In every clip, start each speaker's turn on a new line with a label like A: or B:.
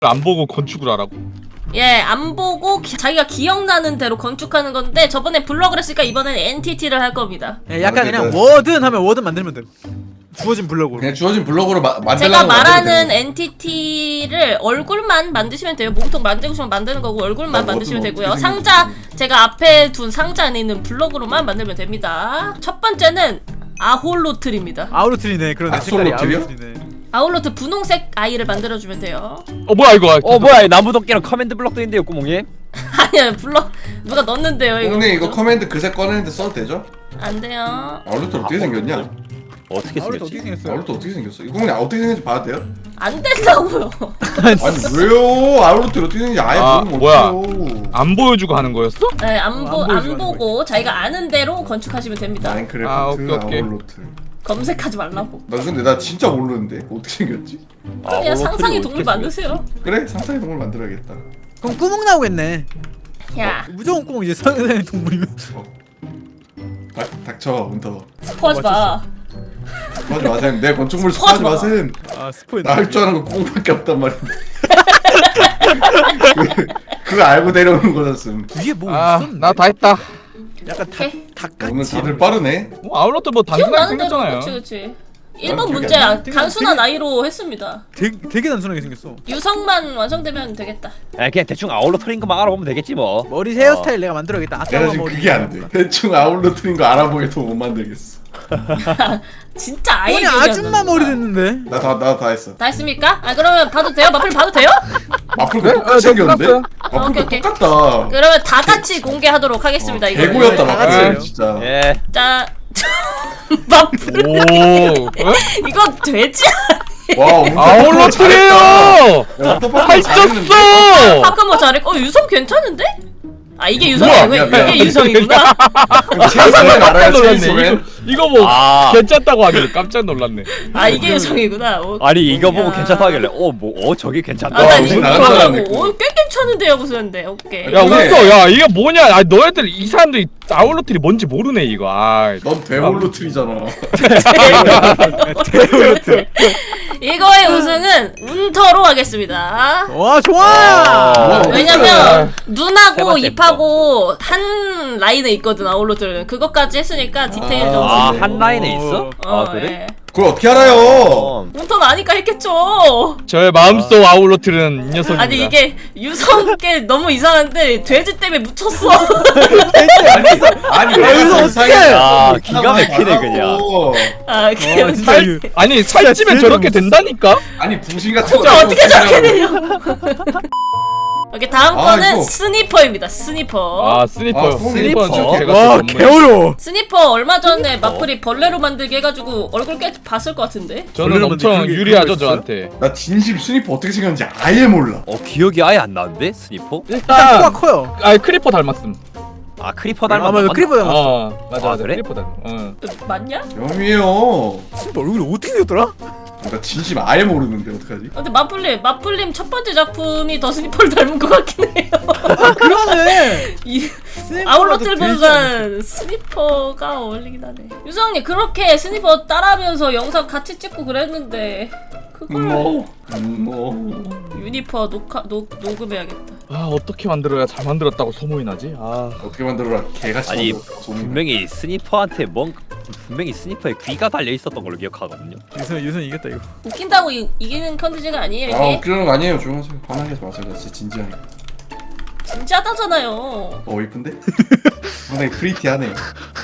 A: 안 보고 건축을 하라고?
B: 예, 안 보고 자기가 기억나는 대로 건축하는 건데 저번에 블럭을 했으니까 이번엔 엔티티를 할 겁니다.
C: 예, 약간 그냥 워든 하면 워든 만들면 돼. 주어진 블럭으로.
D: 그냥 주어진 블럭으로 만들라고.
B: 제가 말하는 엔티티를 얼굴만 만드시면 돼요. 몸통 만들고 싶으면 만드는 거고 얼굴만 만드시면 되고요. 상자, 제가 앞에 둔 상자 안에 있는 블럭으로만 만들면 됩니다. 첫 번째는 아홀로틀입니다.
C: 아울로틀이네. 그러네. 색깔이
D: 아솔로틀이요?
C: 아울로틀이네.
B: 아홀로틀 분홍색 아이를 만들어주면 돼요.
A: 뭐야 이거?
E: 뭐야 나무도끼랑 커맨드 블럭도 있는데요 구멍이?
B: 아니야, 블럭 누가 넣었는데요 이거.
D: 형님 이거 커맨드 그새 꺼내는데 써도 되죠?
B: 안 돼요.
D: 아울루트 어떻게 생겼냐?
E: 어떻게
C: 아울로틀
E: 생겼지?
C: 어떻게 생겼어요?
D: 아울루트 어떻게 생겼어? 이거 그냥 어떻게 생겼는지 봐도 돼요?
B: 안 된다고요.
D: 아니 왜요? 아울루트 어떻게 생겼는지 아예 모르면
A: 뭐야?
D: 어떡해요?
A: 안 보여주고 하는 거였어?
B: 네,
C: 안
B: 보고 자기가 아는 대로 건축하시면 됩니다.
D: 마인크래프트
A: 오케이.
D: 아울루트.
B: 검색하지 말라고.
D: 나 근데 나 진짜 모르는데 어떻게 생겼지?
B: 그냥 상상의 동물
E: 어떻게
B: 만드세요.
D: 그래 상상의 동물 만들어야겠다.
C: 그럼 구멍 나오겠네.
B: 야,
C: 무조건 구멍 이제 상상의 동물이면.
D: 닥쳐 문터.
B: 스포하지 마.
D: 스포하지 마셈. 내 건축물
B: 스포하지
D: 스포하지
B: 마.
D: 마셈.
C: 아 스포인.
D: 나 할 줄 아는 거 구멍밖에 없단 말인데. 그거 알고 내려오는 거였음.
C: 위에 뭐
A: 아,
C: 있었네.
A: 나 다 했다.
C: 약간
B: 오케이.
C: 닭같이.
D: 오늘 다들 빠르네.
A: 아울러트 뭐 단순하게
B: 기억나는 대로
A: 생겼잖아요.
B: 그치.
D: 기억이
B: 1번
D: 안
B: 문제
D: 나.
B: 단순한 아이로 했습니다.
C: 되게 단순하게 생겼어.
B: 유성만 완성되면 되겠다.
E: 그냥 대충 아울러터인 것만 알아보면 되겠지 뭐.
C: 머리 헤어스타일 내가 만들어야겠다.
D: 내가
C: 아까
D: 지금
C: 머리.
D: 그게 안 돼. 대충 아울러트인 거 알아보게도 못 만들겠어.
B: 진짜 아이
C: 아니 아줌마 머리 됐는데.
D: 나 다 했어.
B: 다 했습니까? 아 그러면 봐도 돼요? 마플 봐도 돼요?
D: 마플도 똑같이 생겼는데?
A: 끝났어요.
D: 마플도
B: 오케이.
D: 똑같다.
B: 그러면 다 같이 공개하도록 하겠습니다. 이거
D: 개고였다
C: 다
D: 마플
C: 같이요.
D: 진짜.
E: 예.
B: 자, 마플
A: 오.
B: 이거 되지?
D: 와
A: 아울러트래요. 살쪘어.
B: 잠깐만 잘했고 유성 괜찮은데? 아 이게
A: 우와,
B: 유성이고
D: 미안, 미안.
B: 이게 유성이구나.
D: 체인소맨
A: 깜짝
D: 알아요
A: 놀랐네.
D: 체인소맨?
A: 이거 뭐
E: 아.
A: 괜찮다고 하길래 깜짝 놀랐네.
B: 아 이게 유성이구나.
E: 아니 이거 보고
B: 야.
E: 괜찮다 하길래 저게 괜찮다.
B: 아, 나
D: 무슨
B: 이거
D: 나간 사람
B: 보고
D: 있고.
B: 꽤 괜찮은데요 무슨데 오케이.
A: 야
D: 근데-
A: 웃어. 야 이게 뭐냐? 아 너희들 이 사람들이 아울러트이 뭔지 모르네 이거. 아.
D: 넌 데몰루트리잖아.
B: 이거의 우승은 운터로 하겠습니다.
C: 와 좋아.
D: 와,
B: 왜냐면
E: 세
B: 눈하고
E: 번째
B: 입하고 한 라인에 있거든 아울러들은. 그것까지 했으니까 디테일 좀.
E: 한 라인에 있어?
B: 어,
E: 아 그래?
B: 예.
D: 그걸 어떻게 알아요?
B: 운터는 아니까 했겠죠.
A: 저의 마음속 아울러트는 이 녀석입니다.
B: 아니 이게 유성께 너무 이상한데 돼지 때문에 묻혔어.
D: 아니
C: 여기서 어떡해?
E: 아 기가 막히네 그냥.
B: 아 그냥
C: 진짜
A: 살, 아니 살찌면
C: 진짜
A: 저렇게 된다니까?
D: 아니 붕신 같은 거.
B: 진짜 어떻게 저렇게 되냐. 오케이 다음
D: 아,
B: 거는
D: 이거.
B: 스니퍼입니다. 스니퍼.
A: 아 스니퍼.
D: 아,
A: 스니퍼
D: 스니퍼.
A: 제가
C: 와
A: 또 전문-
C: 개어려워.
B: 스니퍼 얼마 전에 마플이 벌레로 만들게 해가지고 얼굴 꽤 봤을 것 같은데.
A: 저는
C: 원래는
A: 엄청
C: 그게
A: 유리하죠
C: 그거 있어요?
A: 저한테.
D: 나 진심 스니퍼 어떻게 생겼는지 아예 몰라.
E: 기억이 아예 안 나는데 스니퍼?
C: 일단 코가 커요.
A: 아 크리퍼 닮았음.
E: 아 크리퍼 닮았나?
C: 아마 크리퍼 닮았어.
A: 어 맞아
E: 아,
A: 맞아
E: 그래?
A: 크리퍼 닮았. 어.
B: 맞냐?
D: 영이에요.
C: 진짜 얼굴이 어떻게 생겼더라?
D: 나 진심 아예 모르는데 어떡하지?
B: 근데 마플님 첫 번째 작품이 더 스니퍼를 닮은 것 같긴 해요.
C: 그러네.
B: 이
C: 스니퍼가
B: 아울러틀
C: 더 되지 않았어?
B: 보는 스니퍼가 어울리긴 하네. 유성님 그렇게 스니퍼 따라하면서 영상 같이 찍고 그랬는데 그걸 유니퍼 녹음해야겠다.
A: 아 어떻게 만들어야 잘 만들었다고 소문이 나지? 아
D: 어떻게 만들어라 개같이
E: 아니
D: 만들었다, 소문이.
E: 분명히 스니퍼한테 분명히 스니퍼에 귀가 달려 있었던 걸로 기억하거든요.
C: 유선 이겼다 이거.
B: 웃긴다고 이기는 컨텐츠가 아니에요
D: 아
B: 이게.
D: 웃기는 거 아니에요. 조용하세요. 화나게 하지 마세요. 나 진짜 진지하게.
B: 진지하다잖아요.
D: 이쁜데? 상당히 프리티하네.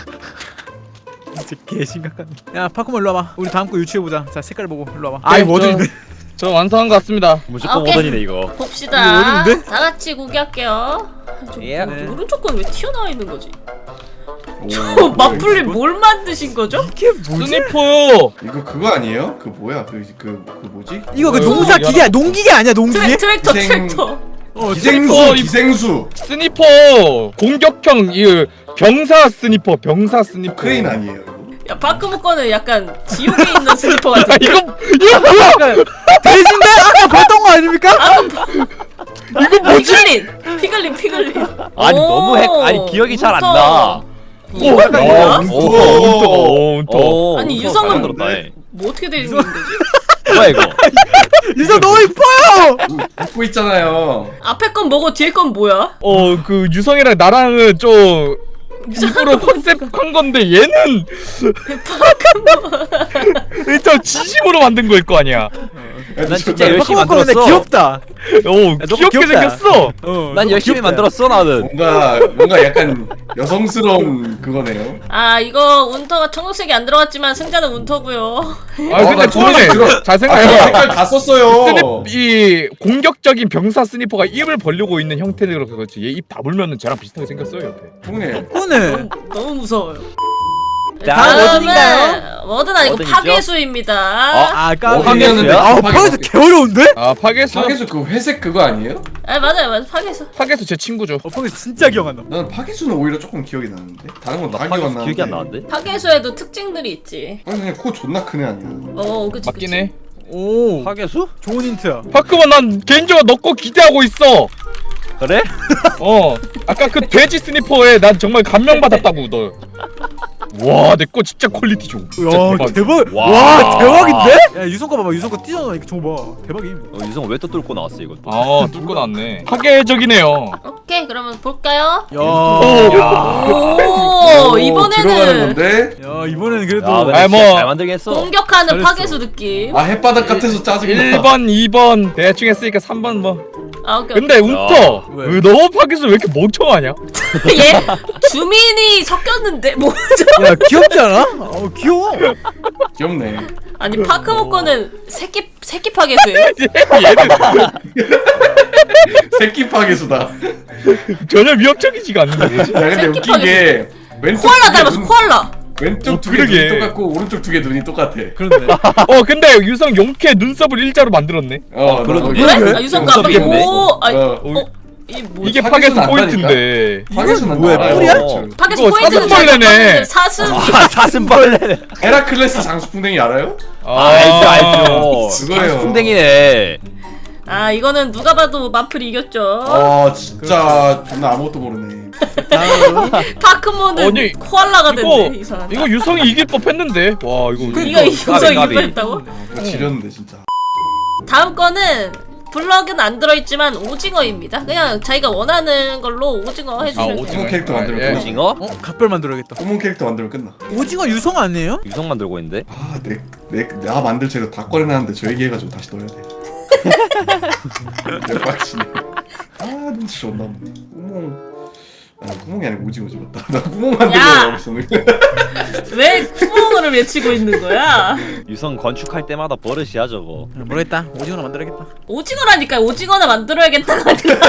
C: 진짜 개 심각하네. 야 파쿠모 일로 와봐. 우리 다음 거 유추해 보자. 자 색깔 보고 일로 와봐. 아이 뭐들인데?
A: 저 완성한 것 같습니다.
E: 무조건
B: 오케이.
E: 모던이네 이거.
B: 봅시다.
C: 이거 어려운데?
B: 다 같이 공개할게요.
E: 예.
C: 네.
B: 오른쪽 건 왜 튀어나와 있는 거지?
D: 오,
B: 마플님 뭘 만드신 거죠?
C: 이게 뭐지?
A: 스니퍼요.
D: 이거 그거 아니에요? 그 뭐야? 그 뭐지?
C: 이거 그
A: 어,
C: 농사
A: 이거
C: 기계 농기계 아니야 농기계?
B: 트랙터
D: 기생-
B: 트랙터.
D: 기생수,
A: 스니퍼,
D: 기생수.
A: 스니퍼 공격형 이 병사 스니퍼
D: 크레인 아니에요? 이거?
B: 야 바크모 거는 약간 지옥에 있는 스니퍼
A: 아
B: 같은.
A: 이거 뭐야?
C: 대신데 아까 봤던 거 아닙니까?
B: 이거 뭐지? 피글린.
E: 아니
B: 오,
E: 너무 아니 기억이 잘 안 나.
B: 이거
A: 아,
B: 뭐야?
D: 운터.
A: 운터.
E: 어,
B: 아니,
E: 그거
B: 유성은
E: 잘 만들었다, 예.
B: 뭐 어떻게 되는 거지?
E: 뭐야 이거?
C: 유성 너무 이뻐요.
D: 웃고 있잖아요.
B: 앞에 건 뭐고 뒤에 건 뭐야?
A: 그 유성이랑 나랑은 좀 일부러 컨셉한 건데 얘는 일단 진심으로 만든 거일 거 아니야.
E: 난 진짜 열심히
C: 파크몬 근데
E: 만들었어.
C: 귀엽다.
A: 너무
C: 귀엽다.
A: 귀엽게 생겼어.
E: 난 열심히 만들었어 나는.
D: 뭔가 약간 여성스러운 그거네요.
B: 아 이거 운터가 청록색이 안 들어갔지만 승자는 운터고요.
A: 아 근데
D: 나
A: 처음에
D: 들어-
A: 잘
D: 아,
A: 생각해봐.
D: 색깔 다 썼어요.
A: 이 공격적인 병사 스니퍼가 입을 벌리고 있는 형태로 그렇지. 얘 입 다물면은 쟤랑 비슷하게 생겼어요 옆에.
D: 형님.
C: 오늘
B: 너무 무서워요.
E: 다음
C: 워든인가요?
B: 워든 아니고
E: 워든이죠?
B: 파괴수입니다.
C: 아 깜짝이야.
D: 워든이었는데
C: 아
D: 파괴
C: 파괴수 개 어려운데?
A: 아 파괴수.
D: 파괴수 그 회색 그거 아니에요?
B: 아 맞아요 파괴수.
A: 파괴수 제 친구죠.
C: 파괴수 진짜 기억 안 나.
D: 나는 파괴수는 오히려 조금 기억이 나는데 다른 건 다 기억 안 나는데.
E: 기억이 안 나는데?
B: 파괴수에도 특징들이 있지.
D: 아니 그냥 코 존나 크네 아니야.
B: 그치
A: 맞긴
B: 그치.
A: 해.
C: 오
E: 파괴수?
C: 좋은 힌트야.
A: 파크만 난 개인적으로 너 거 기대하고 있어.
E: 그래?
A: 아까 그 돼지 스니퍼에 난 정말 감명받았다고 너. 와, 내 거 진짜 퀄리티 좋아. 진짜
C: 야
A: 대박.
C: 대박.
E: 와.
C: 와 대박인데? 야 유성 거 봐봐. 유성 거 뛰어나 이거 저거 봐. 대박임.
E: 유성 왜 또 뚫고 나왔어 이것도?
A: 아, 뚫고 났네. 파괴적이네요.
B: 오케이 그러면 볼까요?
C: 야.
B: 오
D: 들어가는
B: 이번에는
D: 건데.
C: 야 이번에는 그래도
E: 야, 근데
A: 아이,
E: 진짜
A: 뭐.
E: 잘 만들긴 했어.
B: 공격하는
C: 잘했어.
B: 파괴수 느낌.
D: 아 햇바닥 같아서 짜증나.
A: 1번, 2번 대충 했으니까 3번 뭐.
B: 아 오케이.
A: 근데 운터
C: 왜?
A: 왜 너 파괴수 왜 이렇게 멍청하냐?
B: 얘 주민이 섞였는데 뭐죠?
C: 야 귀엽지 않아? 귀여워.
D: 귀엽네.
B: 아니 파크모 거는 새끼 파괴수예요?
A: 얘는
D: 새끼 파괴수다.
A: 전혀 위협적이지가 않는데 뭐지?
D: 야 근데
B: 새끼
D: 웃긴 게 왼쪽
B: 코알라
D: 두 개
B: 닮았어
D: 눈-
B: 코알라.
D: 왼쪽 두 개
A: 그러게.
D: 눈이 똑같고 오른쪽 두 개 눈이 똑같아.
C: 그런데.
A: 근데 유성 용케 눈썹을 일자로 만들었네.
E: 그래도
B: 그래?
C: 그래?
B: 아 유성가
E: 눈썹이 있네.
B: 이 뭐지?
A: 이게
D: 파괴수는
A: 파괴수
D: 안
A: 포인트인데.
D: 파괴수는
C: 뭐야,
D: 나와요.
C: 뿔이야?
B: 파괴수
A: 이거
B: 포인트는
A: 사슴벌레네.
B: 사슴.
E: 사슴벌레.
D: 헤라클레스 장수풍뎅이 알아요?
E: 알죠 알죠.
D: 그거예요.
E: 풍뎅이네.
B: 아 이거는 누가 봐도 마플이 이겼죠.
D: 아 진짜 존나 아무것도 모르네.
C: 다음.
B: 파크모는
A: 아니,
B: 코알라가 됐네 이 사람.
A: 이거 유성이 이길 법했는데. 와 이거.
B: 이거 유성이
E: 까비.
B: 이겼다고?
D: 이거 지렸는데 진짜.
B: 다음 거는 블럭은 안 들어있지만 오징어입니다. 그냥 자기가 원하는 걸로 오징어 해주시면 돼요.
D: 오징어 캐릭터 만들면
A: 예.
D: 끝나.
E: 오징어?
C: 각별 만들어야겠다.
D: 꼬문 캐릭터 만들면 끝나.
C: 오징어 유성 아니에요?
E: 유성 만들고 있는데?
D: 나 만들 재료 다 꺼내놨는데 저 얘기해가지고 다시 넣어야 돼. 내 빡치네. 눈치 존나 없네. 구멍이 아니고 오징어 집었다. 나 구멍
B: 야!
D: 만들려고 했었는데.
B: 왜 구멍을 외치고 있는 거야?
E: 유성 건축할 때마다 버릇이야 저거.
C: 모르겠다. 오징어나 만들어야겠다.
B: 오징어라니까 오징어나 만들어야겠다가 아니라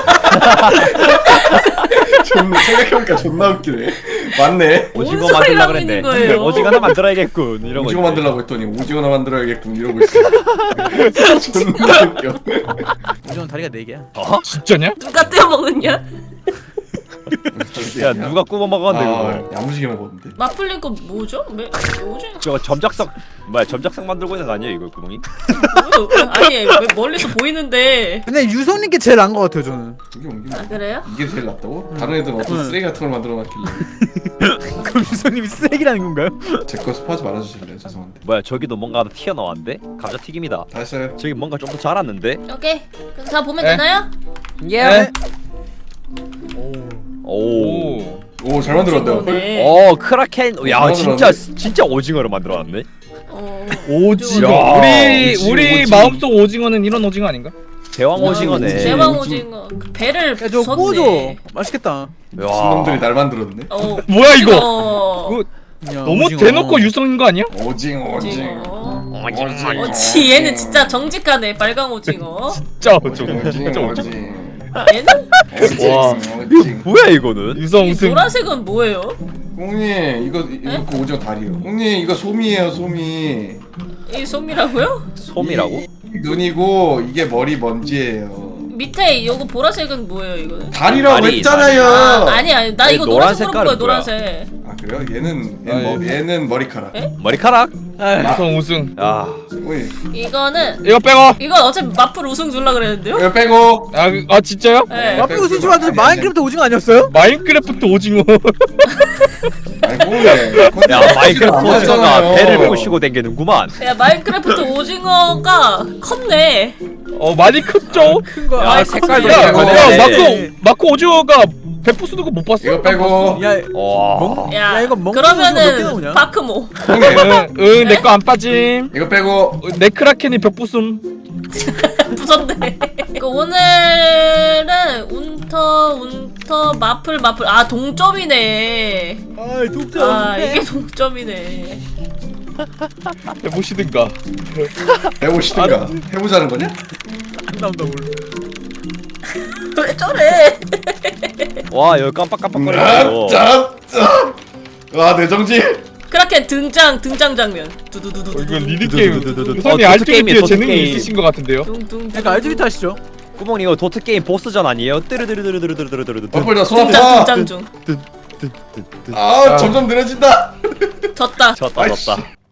D: 존나 생각해보니까 존나 웃기네. 맞네.
E: 오징어
B: 뭔
E: 만들라
B: 소리라고
E: 그랬네.
B: 있는 거예요?
E: 오징어 하나 만들어야겠군 이러고.
D: 오징어
E: 있네.
D: 만들라고 했더니 오징어나 만들어야겠군 이러고 있어. 존나 웃겨.
C: 오징어 다리가 4개야.
A: 진짜냐?
B: 누가 떼어 먹었냐?
E: 야 누가 구워 먹었는데 그걸.
D: 야무지게 먹었는데.
B: 마플린 거 뭐죠? 뭐지?
E: 저거 점작석 뭐야 점작석 만들고 있는 거 아니에요 이거 구멍이?
B: 뭐요? 아니 왜 멀리서 보이는데.
C: 근데 유성님께 제일 나은 것 같아요 저는.
D: 이게 옮기면
B: 아 그래요?
D: 이게 제일 낫다고? 다른 애들은 어떤
C: 응.
D: 쓰레기 같은 걸 만들어 놨길래.
C: 그럼 유성님이 쓰레기라는 건가요?
D: 제 거 스포하지 말아주실래요? 죄송한데.
E: 뭐야 저기도 뭔가 하나 튀어나왔는데? 감자 튀김이다.
D: 다 했어요.
E: 저기 뭔가 좀 더 자랐는데?
B: 오케이 그럼 다 보면
A: 네.
B: 되나요?
A: 네.
E: 오.
D: 오 잘 만들었네요.
B: 오징어네.
E: 크라켄. 야
D: 만들었네.
E: 진짜 오징어를 만들어놨네.
A: 오징어.
E: 야,
A: 우리
D: 오징어.
A: 마음속 오징어는 이런 오징어 아닌가?
E: 대왕 오징어네.
B: 대왕 오징어 그 배를
C: 야 저거
B: 부쉈네.
C: 구워줘. 맛있겠다.
E: 야.
D: 놈들이 날 만들었네.
A: 뭐야, 이거?
B: 이거
C: 야,
A: 너무
C: 오징어.
A: 대놓고 유성인 거 아니야?
D: 오징어.
B: 어치 얘는 진짜 정직하네 빨강 오징어.
A: 진짜 오징어. 진짜 오징어.
B: 얘는
A: 와.
E: 뭐야 이거는?
A: 유성
B: 이
A: 우승.
B: 노란색은 뭐예요?
D: 홍님 이거 그 오징어 다리요. 홍님 이거 솜이에요 솜이.
B: 이 솜이라고요?
E: 솜이라고?
D: 이 눈이고 이게 머리 먼지예요.
B: 밑에 요거 보라색은 뭐예요 이거는?
D: 다리라고
E: 다리,
D: 했잖아요.
B: 아니 나
E: 아니,
B: 이거
E: 노란
B: 노란색 물어본 거야
E: 색깔은 뭐야?
B: 노란색.
D: 아 그래요? 얘는
A: 아,
D: 얘는 머리카락.
B: 에?
E: 머리카락?
A: 우승.
E: 야
D: 오이.
B: 이거는
A: 이거 빼고.
B: 이건 어차피 마플 우승 줄라 그랬는데요?
D: 이거 빼고.
A: 아 진짜요?
B: 네.
C: 마플 우승 좋아하는데 마인크래프트 오징어 아니었어요?
A: 마인크래프트 오징어.
D: 아니 꼬맹이.
E: 야 마이크래프트 오징어가 배를 부시고 댕기는구만.
B: 야 마인크래프트 오징어가 컸네.
A: 많이 컸죠?
C: 큰 거.
E: 야,
C: 아,
E: 색깔도
C: 컸네.
E: 이거
A: 야 마코 오징어가 배포 쓰는 거 못 봤어?
D: 이거 빼고.
C: 야,
E: 와.
B: 야,
C: 야, 이거 먹는 거 몇개
B: 그러면은
C: 나오냐?
B: 파크모.
A: 응 내 거 안 빠짐.
D: 이거 빼고.
A: 내 크라켄이 벽 부숨.
B: 부쉈네. 그 오늘은 운터 마플 아 동점이네.
C: 아이 독점.
B: 아 이게 동점이네.
A: 해보시든가.
D: 해보시든가. 해보자는 거냐?
C: 안 나온다 뭘.
B: 왜 저래?
E: 와 여기 깜빡깜빡거리고.
D: 짠짠. 와 내정지.
B: 크라켄 등장 장면. 두두두두.
A: 이거 리드 게임.
E: 도트
A: 선이
E: 게임이에요,
A: 알티비티에
E: 도트
A: 재능이
E: 게임.
A: 있으신 것 같은데요?
B: 둥둥.
C: 그러니까 알티비티 하시죠.
E: 구멍이 이거 도트 게임 보스전 아니에요? 뜨르르르르르르르르르.
D: 마플 나 손
B: 등장
D: 아파.
B: 등장 중.
D: 아 점점 느려진다.
B: 졌다.
E: 졌다
D: 아이씨.
E: 졌다.